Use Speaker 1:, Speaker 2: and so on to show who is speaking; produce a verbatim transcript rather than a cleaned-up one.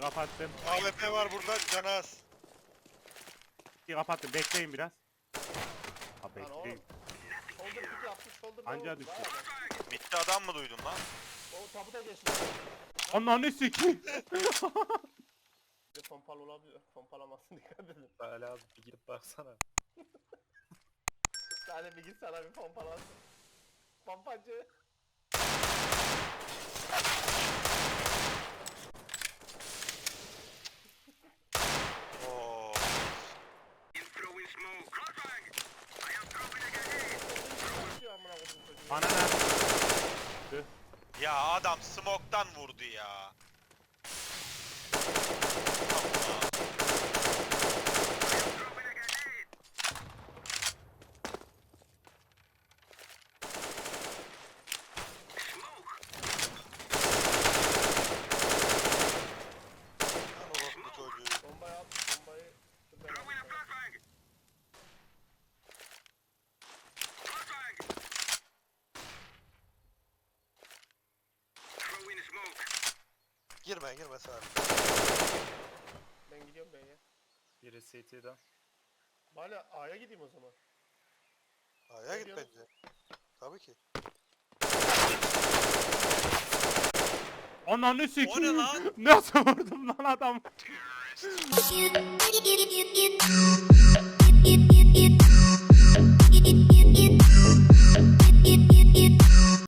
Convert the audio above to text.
Speaker 1: kapattım.
Speaker 2: A W P var burada, canı az.
Speaker 1: İkiyi kapattım. Bekleyin biraz. Ha
Speaker 3: Lan oğlum.
Speaker 1: bekleyin.
Speaker 3: Shoulder pick yapmış, shoulder
Speaker 1: Anca
Speaker 3: down.
Speaker 1: düştü.
Speaker 3: Vay be.
Speaker 4: Bitti adam mı duydun lan?
Speaker 3: O tabuta geçti.
Speaker 1: Ananı sikeyim.
Speaker 3: Bir de pompalı olabilir. Pompalamasın, dikkat edin.
Speaker 5: Hala abi bir gidip baksana.
Speaker 3: Sadece bir git sana bir pompalasın. Pompacı.
Speaker 4: Oo.
Speaker 3: Geçiyor amına koydum çocuğu.
Speaker 1: Bana ne?
Speaker 4: Ya adam smoke'tan vurdu ya.
Speaker 2: Lan orospu çocuğu.
Speaker 3: Bombayı at, bombayı. Dur ben alayım.
Speaker 2: Girme girme Salih.
Speaker 3: Ben gidiyorum B'ye.
Speaker 5: Biri C T'den.
Speaker 3: Bari A'ya gideyim o zaman.
Speaker 2: A'ya git
Speaker 3: diyorsun?
Speaker 2: bence. Tabii ki.
Speaker 1: Ananı
Speaker 4: O ne
Speaker 1: sikeyim.
Speaker 4: lan?
Speaker 1: Nasıl vurdum lan adam?
Speaker 6: You, you, you, you, you, you, you.